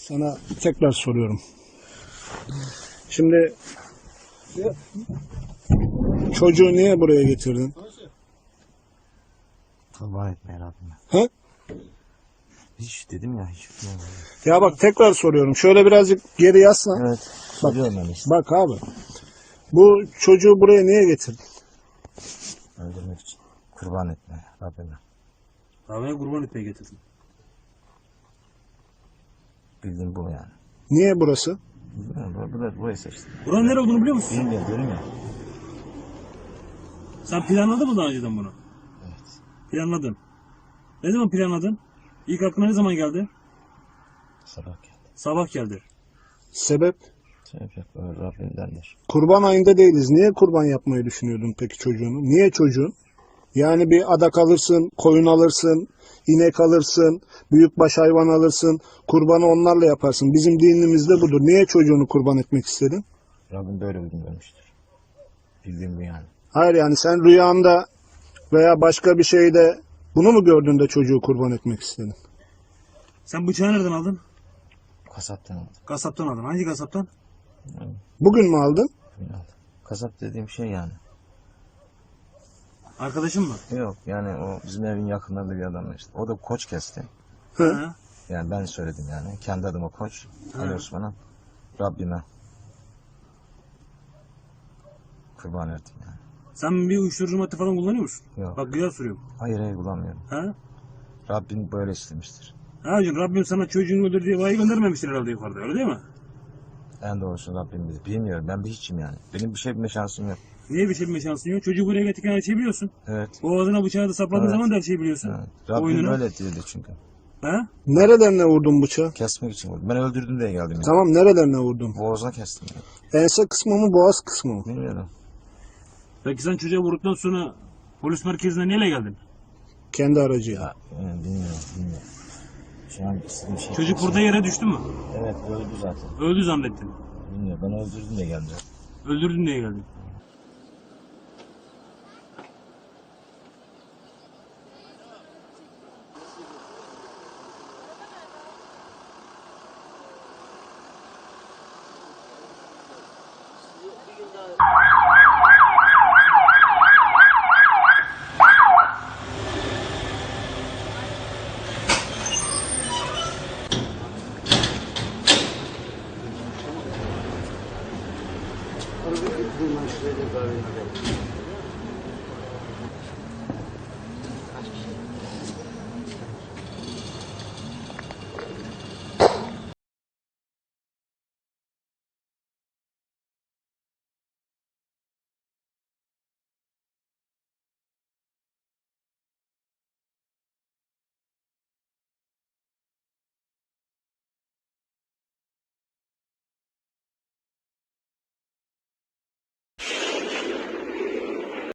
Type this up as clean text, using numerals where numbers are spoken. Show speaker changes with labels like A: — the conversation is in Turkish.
A: Sana tekrar soruyorum. Şimdi çocuğu niye buraya getirdin?
B: Kurban etme Rabbime.
A: He?
B: Hiç dedim ya hiç.
A: Ya bak tekrar soruyorum. Şöyle birazcık geri yaslan.
B: Evet. Soruyorum ben işte.
A: Bak abi. Bu çocuğu buraya niye getirdin?
B: Öldürmek için. Kurban etme Rabbime.
C: Rabbime kurban etmeye getirdim.
B: Bildiğim bu yani.
A: Niye burası?
B: Bilmiyorum. Burayı seçtim.
C: Buranın nere olduğunu biliyor musun?
B: Bilmiyorum diyorum ya.
C: Sen planladın mı daha önceden bunu?
B: Evet.
C: Planladın. Ne zaman planladın? İlk aklına ne zaman geldi?
B: Sabah geldi.
C: Sabah geldi.
A: Sebep?
B: Sebep yok. Öyle Rabbimdendir.
A: Kurban ayında değiliz. Niye kurban yapmayı düşünüyordun peki çocuğunu? Niye çocuğun? Yani bir adak alırsın, koyun alırsın, inek alırsın, büyükbaş hayvan alırsın, kurbanı onlarla yaparsın. Bizim dinimizde budur. Niye çocuğunu kurban etmek istedin?
B: Rabbim böyle uygun görmüştür. Bildiğim bu yani.
A: Hayır, yani sen rüyanda veya başka bir şeyde bunu mu gördün de çocuğu kurban etmek istedin?
C: Sen bıçağı nereden aldın?
B: Kasaptan aldım.
C: Kasaptan aldın. Hangi kasaptan?
A: Bugün mü aldın?
B: Bugün aldım. Kasap dediğim şey yani.
C: Arkadaşın mı?
B: Yok yani o bizim evin yakınlarında bir adam işte. O da koç kesti.
C: Hı.
B: Yani ben söyledim yani. Kendi adıma koç. Ali Osman'a. Rabbime. Kurban ettim yani.
C: Sen bir uyuşturucu madde falan kullanıyor musun?
B: Yok.
C: Bak güzel soruyorum.
B: Hayır bulamıyorum.
C: Ha?
B: Rabbim böyle istemiştir.
C: Ha hocam Rabbim sana çocuğunu öldür diye vahiy göndermemiştir herhalde yukarıda, öyle değil mi?
B: En doğrusu Rabbim bilir. Bilmiyorum ben bir hiçim yani. Benim bir şey bilme şansım yok.
C: Niye bir şey bilme şansın yok? Çocuğu buraya getirirken her şeyi biliyorsun.
B: Evet.
C: Boğazına bıçağı da sapladığın
B: Evet.
C: zaman da her şeyi biliyorsun.
B: Evet. Rabbim
C: Oyununu.
B: böyle dedi çünkü.
C: Ha?
A: Nerelerine vurdun bıçağı?
B: Kesmek için vurdum. Ben öldürdüm diye geldim yani.
A: Tamam, nerelerine vurdun?
B: Boğazına kestim yani.
A: Ense kısmı mı, boğaz kısmı mı?
B: Bilmiyorum.
C: Peki sen çocuğa vurduktan sonra polis merkezine neyle geldin?
A: Kendi aracıyla.
B: Ya, bilmiyorum. Şu an istediğim şey.
C: Çocuk burada yere düştü mü?
B: Evet öldü zaten.
C: Öldü zannettin.
B: Bilmiyorum ben öldürdüm diye geldim.
C: Öldürdün diye geldin.